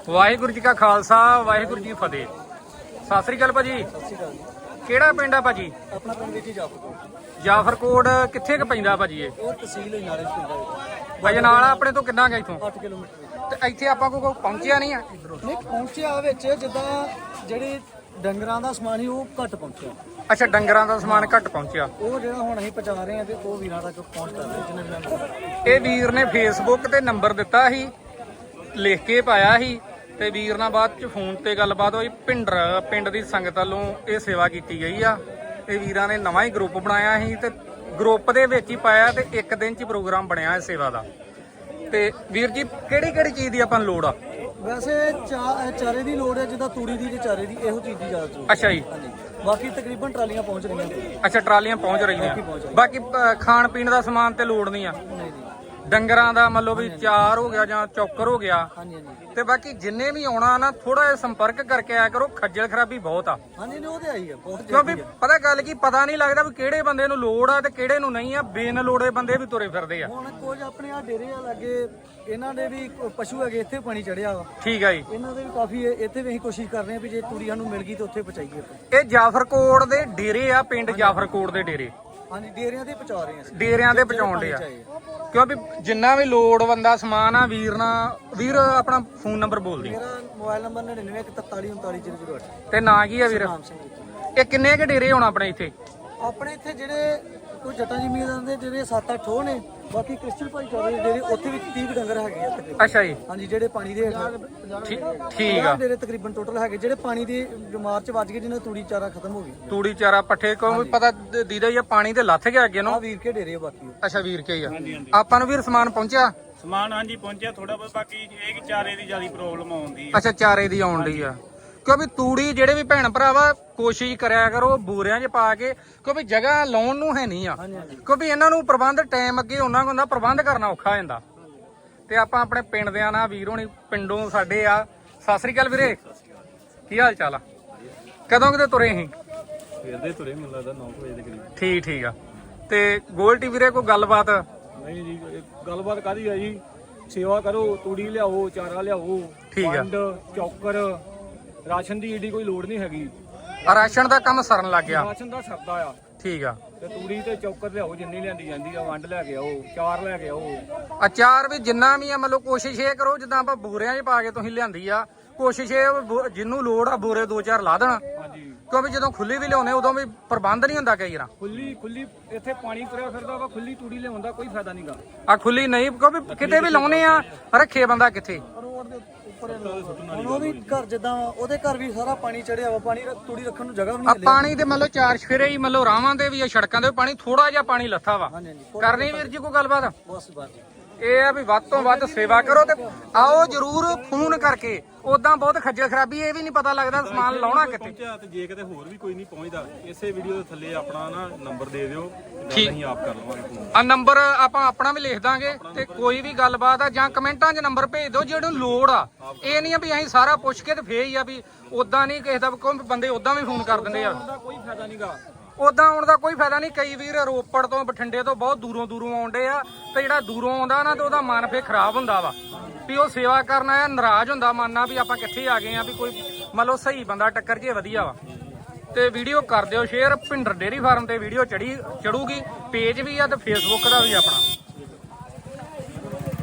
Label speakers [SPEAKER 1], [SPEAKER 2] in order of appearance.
[SPEAKER 1] ਵਾਹਿਗੁਰੂ ਜੀ ਕਾ ਖਾਲਸਾ ਵਾਹਿਗੁਰੂ ਜੀ ਫਤਿਹ। ਸਤਿ ਸ੍ਰੀ ਅਕਾਲ ਭਾਜੀ। ਕਿਹੜਾ ਪਿੰਡ ਆ ਭਾਜੀ?
[SPEAKER 2] ਆਪਣਾ ਪਿੰਡ ਵਿੱਚ ਜਾਫਰਕੋਟ।
[SPEAKER 1] ਜਾਫਰਕੋਟ ਕਿੱਥੇ ਕ ਪੈਂਦਾ ਭਾਜੀ ਇਹ?
[SPEAKER 2] ਉਹ ਤਹਿਸੀਲ ਨਾਲੇ ਪਿੰਡ
[SPEAKER 1] ਭਾਜੀ ਨਾਲ ਆਪਣੇ ਤੋਂ ਕਿੰਨਾ ਗਿਆ ਇਥੋਂ?
[SPEAKER 2] 8 ਕਿਲੋਮੀਟਰ।
[SPEAKER 1] ਤੇ ਇੱਥੇ ਆਪਾਂ ਕੋਈ ਪਹੁੰਚਿਆ ਨਹੀਂ ਆ ਇਧਰੋਂ?
[SPEAKER 2] ਨਹੀਂ ਪਹੁੰਚਿਆ ਵਿੱਚ ਜਿੱਦਾਂ ਜਿਹੜੀ ਡੰਗਰਾਂ ਦਾ ਸਮਾਨ ਸੀ ਉਹ ਘੱਟ ਪਹੁੰਚਿਆ।
[SPEAKER 1] ਅੱਛਾ, ਡੰਗਰਾਂ ਦਾ ਸਮਾਨ ਘੱਟ ਪਹੁੰਚਿਆ।
[SPEAKER 2] ਉਹ ਜਿਹੜਾ ਹੁਣ ਅਸੀਂ ਪਹੁੰਚਾ ਰਹੇ ਹਾਂ ਤੇ ਉਹ ਵੀਰਾਂ ਤੱਕ ਪਹੁੰਚ ਕਰ ਰਹੇ ਜਿੰਨੇ ਵੀ
[SPEAKER 1] ਇਹ ਵੀਰ ਨੇ ਫੇਸਬੁੱਕ ਤੇ ਨੰਬਰ ਦਿੱਤਾ ਸੀ, ਲਿਖ ਕੇ ਪਾਇਆ ਸੀ ਤੇ ਵੀਰ ਨਾਲ ਬਾਅਦ ਚ ਫੋਨ ਤੇ ਗੱਲਬਾਤ ਹੋਈ। ਪਿੰਡ ਦੀ ਸੰਗਤ ਵੱਲੋਂ ਇਹ ਸੇਵਾ ਕੀਤੀ ਗਈ ਆ। ਇਹ ਵੀਰਾਂ ਨੇ ਨਵਾਂ ਹੀ ਗਰੁੱਪ ਬਣਾਇਆ ਸੀ ਤੇ ਗਰੁੱਪ ਦੇ ਵਿੱਚ ਹੀ ਪਾਇਆ ਤੇ ਇੱਕ ਦਿਨ ਚ ਪ੍ਰੋਗਰਾਮ ਬਣਿਆ ਇਸ ਸੇਵਾ ਦਾ। ਤੇ ਵੀਰ ਜੀ ਕਿਹੜੀ ਚੀਜ਼ ਦੀ ਆਪਾਂ ਨੂੰ ਲੋੜ ਆ?
[SPEAKER 2] ਵੈਸੇ ਚਾਰੇ ਦੀ ਲੋੜ ਹੈ, ਜਿੱਦਾਂ ਤੂੜੀ ਦੀ ਤੇ ਚਾਰੇ ਦੀ, ਇਹੋ ਚੀਜ਼ ਦੀ ਜ਼ਿਆਦਾ ਜ਼ਰੂਰਤ।
[SPEAKER 1] ਅੱਛਾ ਜੀ।
[SPEAKER 2] ਹਾਂਜੀ, ਬਾਕੀ ਤਕਰੀਬਨ ਟਰਾਲੀਆਂ ਪਹੁੰਚ ਰਹੀਆਂ।
[SPEAKER 1] ਅੱਛਾ, ਟਰਾਲੀਆਂ ਪਹੁੰਚ ਰਹੀਆਂ। ਬਾਕੀ ਖਾਣ ਪੀਣ ਦਾ ਸਮਾਨ ਤੇ ਲੋੜ ਨਹੀਂ ਆ?
[SPEAKER 2] ਨਹੀਂ ਜੀ।
[SPEAKER 1] ਡੰਗਰਾਂ ਦਾ ਮੰਨ ਲਓ ਵੀ ਚਾਰ ਹੋ ਗਿਆ ਜਾਂ ਚੌਕਰ ਹੋ ਗਿਆ।
[SPEAKER 2] ਹਾਂਜੀ ਹਾਂਜੀ।
[SPEAKER 1] ਤੇ ਬਾਕੀ ਜਿੰਨੇ ਵੀ ਆਉਣਾ ਨਾ ਥੋੜਾ ਜਿਹਾ ਸੰਪਰਕ ਕਰਕੇ ਆਇਆ ਕਰੋ, ਖੱਜਲ ਖਰਾਬੀ ਬਹੁਤ ਆ।
[SPEAKER 2] ਹਾਂਜੀ, ਉਹ ਤੇ ਆਈ ਆ ਬਹੁਤ।
[SPEAKER 1] ਕਿਉਂਕਿ ਪਤਾ ਗੱਲ ਕੀ, ਪਤਾ ਨਹੀਂ ਲੱਗਦਾ ਵੀ ਕਿਹੜੇ ਬੰਦੇ ਨੂੰ ਲੋੜ ਆ ਤੇ ਕਿਹੜੇ ਨੂੰ ਨਹੀਂ ਆ। ਬੇਨ ਲੋੜੇ ਬੰਦੇ ਵੀ ਤੁਰੇ ਫਿਰਦੇ ਆ।
[SPEAKER 2] ਹੁਣ ਕੁਝ ਆਪਣੇ ਆ ਡੇਰੇ ਆ ਲੱਗੇ, ਇਹਨਾਂ ਦੇ ਵੀ ਪਸ਼ੂ ਹੈਗੇ, ਇੱਥੇ ਪਾਣੀ ਚੜਿਆ ਵਾ।
[SPEAKER 1] ਠੀਕ ਆ ਜੀ।
[SPEAKER 2] ਇਹਨਾਂ ਦੇ ਵੀ ਕਾਫੀ ਇੱਥੇ ਵੀ ਅਸੀਂ ਕੋਸ਼ਿਸ਼ ਕਰ ਰਹੇ ਹਾਂ ਵੀ ਜੇ ਤੂੜੀ ਸਾਨੂੰ ਮਿਲ ਗਈ ਤਾਂ ਉੱਥੇ ਪਹੁੰਚਾਈਏ ਆਪਾਂ।
[SPEAKER 1] ਇਹ ਜਾਫਰਕੋਟ ਦੇ ਡੇਰੇ ਆ, ਪਿੰਡ ਜਾਫਰਕੋਟ ਦੇ ਡੇਰੇ।
[SPEAKER 2] ਹਾਂਜੀ, ਡੇਰਿਆਂ ਤੇ ਪਹੁੰਚਾ ਰਹੇ ਹਾਂ ਅਸੀਂ।
[SPEAKER 1] ਡੇਰਿਆਂ ਦੇ ਪਹੁੰਚਾਉਣ ਦੇ ਆ, ਕਿਉਂਕਿ ਜਿੰਨਾ ਵੀ ਲੋੜਵੰਦਾ ਸਮਾਨ ਆ ਵੀਰ ਆਪਣਾ ਫੋਨ ਨੰਬਰ ਬੋਲ ਦੀ।
[SPEAKER 2] ਮੇਰਾ ਮੋਬਾਈਲ ਨੰਬਰ 9941439008।
[SPEAKER 1] ਤੇ ਨਾਂ ਕੀ ਆ ਵੀਰ?
[SPEAKER 2] ਨਾਮ ਸਿੰਘ ਜੀ।
[SPEAKER 1] ਇਹ ਕਿੰਨੇ ਕ ਡੇਰੇ ਹੋਣ ਆਪਣੇ ਇੱਥੇ?
[SPEAKER 2] ਆਪਣੇ ਇੱਥੇ ਜਿਹੜੇ ਕੋਈ ਜੱਟਾਂ ਜ਼ਮੀਨਦਾਰਾਂ ਦੇ ਜਿਹੜੇ 7-8 ਹੋ ਨੇ, ਬਾਕੀ ਕ੍ਰਿਸਚਨ ਭਾਈਚਾਰੇ ਦੇ ਜਿਹੜੇ ਉੱਥੇ ਵੀ 30 ਡੰਗਰ ਹੈਗੇ ਆ ਤਕਰੀਬਨ।
[SPEAKER 1] ਅੱਛਾ ਜੀ।
[SPEAKER 2] ਹਾਂਜੀ, ਜਿਹੜੇ ਪਾਣੀ ਦੇ
[SPEAKER 1] ਠੀਕ ਆ।
[SPEAKER 2] ਜਿਹੜੇ ਤਕਰੀਬਨ ਟੋਟਲ ਹੈਗੇ, ਜਿਹੜੇ ਪਾਣੀ ਦੀ ਬਿਮਾਰ ਚ ਵੱਜ ਗਏ, ਜਿਹਨਾਂ ਤੂੜੀ ਚਾਰਾ ਖਤਮ ਹੋ ਗਈ।
[SPEAKER 1] ਤੂੜੀ ਚਾਰਾ ਪੱਠੇ ਕੋਈ ਪਤਾ ਦੀਦਾ ਹੀ ਆ, ਪਾਣੀ ਤੇ ਲੱਥ ਗਿਆ ਅੱਗੇ ਨੂੰ।
[SPEAKER 2] ਆ ਵੀਰ ਕੇ ਡੇਰੇ ਆ ਬਾਕੀ।
[SPEAKER 1] ਅੱਛਾ, ਵੀਰ ਕੇ ਹੀ ਆ। ਆਪਾਂ ਨੂੰ ਵੀਰ ਸਮਾਨ ਪਹੁੰਚਿਆ?
[SPEAKER 3] ਸਮਾਨ ਹਾਂਜੀ ਪਹੁੰਚਿਆ ਥੋੜਾ ਬਹੁਤ, ਬਾਕੀ ਇਹ ਕਿ ਚਾਰੇ ਦੀ ਜਿਆਦਾ ਪ੍ਰੋਬਲਮ ਆਉਂਦੀ
[SPEAKER 1] ਅੱਛਾ, ਚਾਰੇ ਦੀ ਆਉਣ ਡਈ ਆ। ਕਿਉਂਕਿ ਤੂੜੀ ਜਿਹੜੇ ਵੀ ਭੈਣ ਭਰਾਵਾ ਕੋਸ਼ਿਸ਼ ਕਰਿਆ ਕਰੋ ਬੂਰਿਆਂ 'ਚ ਪਾ ਕੇ, ਕਿਉਂਕਿ ਜਗ੍ਹਾ ਲਾਉਣ ਨੂੰ ਹੈ ਨਹੀਂ ਆ। ਕਿਉਂਕਿ ਇਹਨਾਂ ਨੂੰ ਪ੍ਰਬੰਧ ਟਾਈਮ ਅੱਗੇ ਉਹਨਾਂ ਕੋਲ ਹੁੰਦਾ, ਪ੍ਰਬੰਧ ਕਰਨਾ ਔਖਾ ਹੋ ਜਾਂਦਾ। ਤੇ ਆਪਾਂ ਆਪਣੇ ਪਿੰਡ ਦਿਆਂ ਨਾਲ ਵੀਰ ਹੋਣੀ ਪਿੰਡੋਂ ਸਾਡੇ ਆ। ਸਤਿ ਸ੍ਰੀ ਅਕਾਲ ਵੀਰੇ, ਕੀ ਹਾਲ ਚਾਲ ਆ? ਕਦੋਂ ਕਿਤੇ ਤੁਰੇ ਸੀ?
[SPEAKER 3] ਫਿਰਦੇ ਤੁਰੇ ਮੈਨੂੰ ਲੱਗਦਾ 9 ਵਜੇ ਦੇ ਕਰੀਬ।
[SPEAKER 1] ਠੀਕ ਆ। ਤੇ ਗੋਲਟੀ ਵੀਰੇ ਕੋਈ ਗੱਲਬਾਤ?
[SPEAKER 3] ਨਹੀਂ ਜੀ, ਗੱਲਬਾਤ ਕਾਹਦੀ ਆ ਜੀ, ਸੇਵਾ ਕਰੋ, ਤੂੜੀ ਲਿਆਓ, ਚਾਰਾ ਲਿਆਓ,
[SPEAKER 1] ਠੀਕ ਆ।
[SPEAKER 3] ਪੰਡ ਚੌਕਰ, ਰਾਸ਼ਨ ਦੀ ਏਡੀ ਕੋਈ ਲੋੜ ਨਹੀਂ ਹੈਗੀ।
[SPEAKER 1] ਰਾਸ਼ਨ ਦਾ ਕੰਮ ਸਰਨ ਲੱਗ ਗਿਆ?
[SPEAKER 3] ਰਾਸ਼ਨ ਦਾ ਸਰਦਾ ਆ।
[SPEAKER 1] ਠੀਕ ਆ।
[SPEAKER 3] ਤੇ ਤੂੜੀ ਤੇ ਚੌਕਰ ਲਿਆਓ, ਜਿੰਨੀ ਲਿਆਂਦੀ ਜਾਂਦੀ ਆ। ਵੰਡ ਲੈ ਕੇ ਆਓ, ਚਾਰ ਲੈ ਕੇ ਆਓ।
[SPEAKER 1] ਅਚਾਰ ਵੀ ਜਿੰਨਾ ਵੀ ਆ, ਮਤਲਬ ਕੋਸ਼ਿਸ਼ ਇਹ ਕਰੋ ਜਿੱਦਾਂ ਆਪਾਂ ਬੂਰਿਆਂ 'ਚ ਪਾ ਕੇ ਤੁਸੀਂ ਲਿਆਂਦੀ ਆ, ਕੋਸ਼ਿਸ਼ ਇਹ ਜਿਹਨੂੰ ਲੋੜ ਆ ਬੂਰੇ 2-4 ਲਾ ਦੇਣਾ।
[SPEAKER 3] ਹਾਂਜੀ,
[SPEAKER 1] ਕਿਉਂਕਿ ਜਦੋਂ ਖੁੱਲੀ ਵੀ ਲਿਆਉਨੇ ਉਦੋਂ ਵੀ ਪ੍ਰਬੰਧ ਨਹੀਂ ਹੁੰਦਾ ਕਈ ਵਾਰ।
[SPEAKER 3] ਖੁੱਲੀ ਇੱਥੇ ਪਾਣੀ ਤੁਰਿਆ ਫਿਰਦਾ ਵਾ, ਖੁੱਲੀ ਤੂੜੀ ਲਿਆਉਣ ਦਾ ਕੋਈ ਫਾਇਦਾ ਨਹੀਂਗਾ।
[SPEAKER 1] ਆ ਖੁੱਲੀ ਨਹੀਂ, ਕਿਉਂਕਿ ਕਿਤੇ ਵੀ ਲਾਉਨੇ ਆ, ਰੱਖੇ ਬੰਦਾ ਕਿੱਥੇ?
[SPEAKER 2] ਰੋਡ ਦੇ ਉੱਪਰ ਹੁਣ ਉਹ ਵੀ ਘਰ ਜਿੱਦਾਂ ਉਹਦੇ ਘਰ ਵੀ ਸਾਰਾ ਪਾਣੀ ਚੜਿਆ ਵਾ। ਪਾਣੀ ਤੂੜੀ ਰੱਖਣ ਨੂੰ ਜਗ੍ਹਾ ਵੀ
[SPEAKER 1] ਆ
[SPEAKER 2] ਨਹੀਂ।
[SPEAKER 1] ਪਾਣੀ ਦੇ ਮਤਲਬ ਚਾਰ ਸ਼ਫੇਰੇ ਹੀ, ਮਤਲਬ ਰਾਵਾਂ ਦੇ ਵੀ ਆ, ਸੜਕਾਂ ਦੇ ਵੀ ਪਾਣੀ, ਥੋੜਾ ਜਿਹਾ ਪਾਣੀ ਲੱਥਾ ਵਾ।
[SPEAKER 2] ਹਾਂਜੀ ਹਾਂਜੀ,
[SPEAKER 1] ਕਰਨੀ ਵੀਰ ਜੀ ਕੋਈ ਗੱਲਬਾਤ?
[SPEAKER 2] ਬਸ ਬਸ।
[SPEAKER 1] ਇਹ ਆ ਵੀ ਵੱਧ ਤੋਂ ਵੱਧ ਸੇਵਾ ਕਰੋ ਤੇ ਆਓ ਜਰੂਰ ਫੋਨ ਕਰਕੇ। ਉਦਾਂ ਬਹੁਤ ਖੱਜਲ ਖਰਾਬੀ, ਇਹ ਵੀ ਨਹੀਂ ਪਤਾ ਲੱਗਦਾ ਸਮਾਨ ਲਾਉਣਾ ਕਿੱਥੇ।
[SPEAKER 4] ਤੇ ਜੇ ਕਿਤੇ ਹੋਰ ਵੀ ਕੋਈ ਨਹੀਂ ਪਹੁੰਚਦਾ, ਇਸੇ ਵੀਡੀਓ ਦੇ ਥੱਲੇ ਆਪਣਾ ਨਾ ਨੰਬਰ ਦੇ ਦਿਓ,
[SPEAKER 1] ਠੀਕ।
[SPEAKER 4] ਅਸੀਂ ਆਪ ਕਰ ਲਵਾਂਗੇ ਫੋਨ।
[SPEAKER 1] ਆ ਨੰਬਰ ਆਪਾਂ ਆਪਣਾ ਵੀ ਲਿਖ ਦਾਂਗੇ ਤੇ ਕੋਈ ਵੀ ਗੱਲਬਾਤ ਆ ਜਾਂ ਕਮੈਂਟਾਂ 'ਚ ਨੰਬਰ ਭੇਜ ਦਿਓ ਜਿਹਨੂੰ ਲੋੜ ਆ। ਇਹ ਨਹੀਂ ਆ ਵੀ ਅਸੀਂ ਸਾਰਾ ਪੁੱਛ ਕੇ ਤੇ ਫੇਰ ਹੀ ਆ ਵੀ ਉਦਾਂ ਨਹੀਂ ਕਿਸੇ ਦਾ ਕੋਈ ਬੰਦੇ ਉਦਾਂ ਵੀ ਫੋਨ ਕਰ ਦਿੰਦੇ ਆ।
[SPEAKER 3] ਕੋਈ ਫਾਇਦਾ ਨਹੀਂਗਾ।
[SPEAKER 1] ਉਦਾਂ ਆਉਣ ਦਾ ਕੋਈ ਫਾਇਦਾ ਨਹੀਂ। ਕਈ ਵੀਰ ਰੋਪੜ ਤੋਂ ਬਠਿੰਡੇ ਤੋਂ ਬਹੁਤ ਦੂਰੋਂ ਆਉਂਦੇ ਆ ਤੇ ਜਿਹੜਾ ਦੂਰੋਂ ਆਉਂਦਾ ਨਾ ਤੇ ਉਹਦਾ ਮਨ ਫੇਰ ਖਰਾਬ ਹੁੰਦਾ ਵਾ ਵੀ ਉਹ ਸੇਵਾ ਕਰਨ ਆਇਆ, ਨਾਰਾਜ਼ ਹੁੰਦਾ ਮਨ ਨਾਲ ਵੀ ਆਪਾਂ ਕਿੱਥੇ ਆ ਗਏ ਆ, ਵੀ ਕੋਈ ਮੰਨ ਲਓ ਸਹੀ ਬੰਦਾ ਟੱਕਰ ਜੇ ਵਧੀਆ ਵਾ। ਤੇ ਵੀਡੀਓ ਕਰ ਦਿਓ ਸ਼ੇਅਰ। ਭਿੰਡਰ ਡੇਅਰੀ ਫਾਰਮ ਤੇ ਵੀਡੀਓ ਚੜੂਗੀ, ਪੇਜ ਵੀ ਆ ਤੇ ਫੇਸਬੁੱਕ ਦਾ ਵੀ ਆਪਣਾ।